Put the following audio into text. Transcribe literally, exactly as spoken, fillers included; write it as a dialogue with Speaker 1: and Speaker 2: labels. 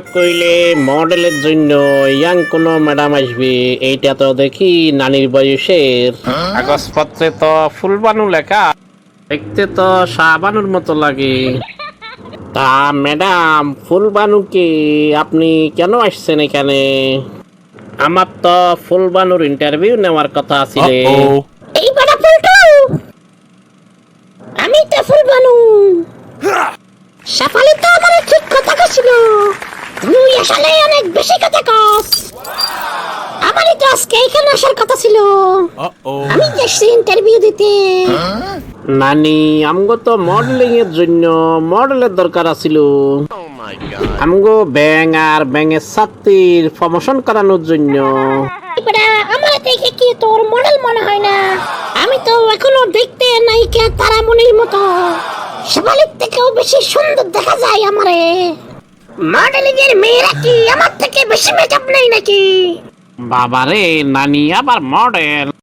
Speaker 1: কইলে মডেলের জন্য ইয়াং কোনো ম্যাডাম আসবে, এইটা তো দেখি নানির বয়সের। কাগজপত্রে তো ফুলবানু লেখা, দেখতে তো শাহবানুর মতো লাগে। তা ম্যাডাম ফুলবানুকে আপনি কেন আসছেন এখানে? আমার তো ফুলবানুর ইন্টারভিউ নেওয়ার কথা আছে।
Speaker 2: এই বড় পল্টু, আমি তো ফুলবানু। সাফালি তো আমার ঠিক কথা কছিল, তুই আসলে অনেক বেশি কথা কস। আমারই তো আজকে এখানে আসার কথা ছিল, আমি যাচ্ছি ইন্টারভিউ দিতে।
Speaker 1: নানি আমগো তো মডেলিং এর জন্য মডেলের দরকার আছিল। আমগো ব্যাং আর ব্যাঙের ছাত্রীর প্রমোশন করানোর জন্য।
Speaker 2: এবারে আমার দেখে কি তোর মডেল মনে হয় না? আমি তো এখনো দেখতে নায়িকা তারামণির মতো, সাফালির থেকেও বেশি সুন্দর দেখা যায় আমারে। মডেলিং এর মেয়েরা কি আমার থেকে বেশি মেকআপ নেই নাকি?
Speaker 1: বাবারে নানি আবার মডেল।